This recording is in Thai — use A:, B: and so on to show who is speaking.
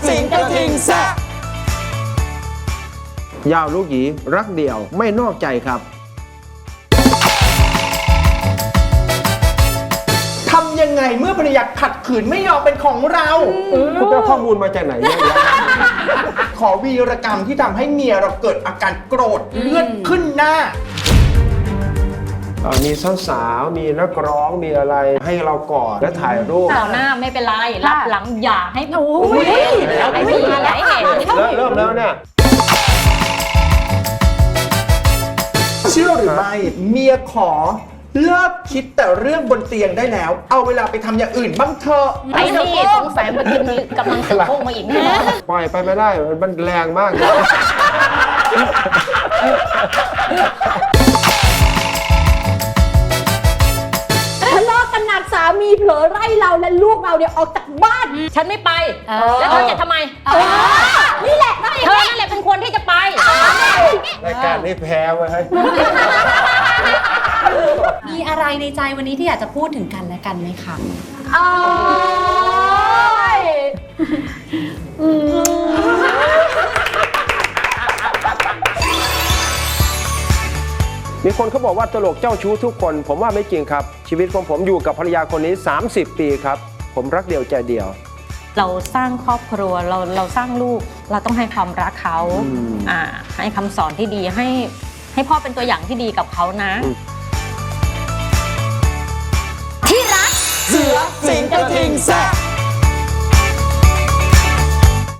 A: สิงกระทิงแซะ
B: ยาวลูกหยีรักเดี่ยวไม่นอกใจครับ
A: ทำยังไงเมื่อภรรยาขัดขืนไม่ยอมเป็นของเรา
B: คุณไปเอาข้อมูลมาจากไหนเนี่ย
A: ขอวีรกรรมที่ทำให้เมียเราเกิดอาการโกรธเลือดขึ้นหน้า
B: มีสาวๆมีนักร้องมีอะไรให้เรากอดและถ่ายรูป
C: ต่อหน้าไม่เป็นไรรับหลังอย่าให้ให้มีหลายเหตุ
B: เริ่มแล้วเนี่ย
A: เชื่อหรือไม่เมียขอเลิกคิดแต่เรื่องบนเตียงได้แล้ว เอาเวลาไปทำอย่างอื่นบ้างเถอะ
C: ไอ้นี่สงสัยเมื่อกี้นี้กำลังจะโค้งมาอีกแน่
B: ปล่อยไปไม่ได้มันแรงมากเลย
D: ทะเลาะกันหนักสามีเผลอไล่เราและลูกเราเนี่ยออกจากบ้าน
C: ฉันไม่ไป แล้วเธอจะทำไม
D: นี่แหละ
C: เธอนั่นแหละเป็นคนที่จะไป
B: รายการนี้แพ้ไว้ให้
E: มีอะไรในใจวันนี้ที่อยากจะพูดถึงกันและกันไหมคะ
D: โอ้ย
B: มีคนเขาบอกว่าตลกเจ้าชู้ทุกคน ผมว่าไม่จริงครับ ชีวิตของผมอยู่กับภรรยาคนนี้30 ปีครับผมรักเดียวใจเดียว
C: เราสร้างครอบครัวเราสร้างลูกเราต้องให้ความรักเขาให้คำสอนที่ดีให้พ่อเป็นตัวอย่างที่ดีกับเขานะ
A: เสือสิงกระทิงแซะ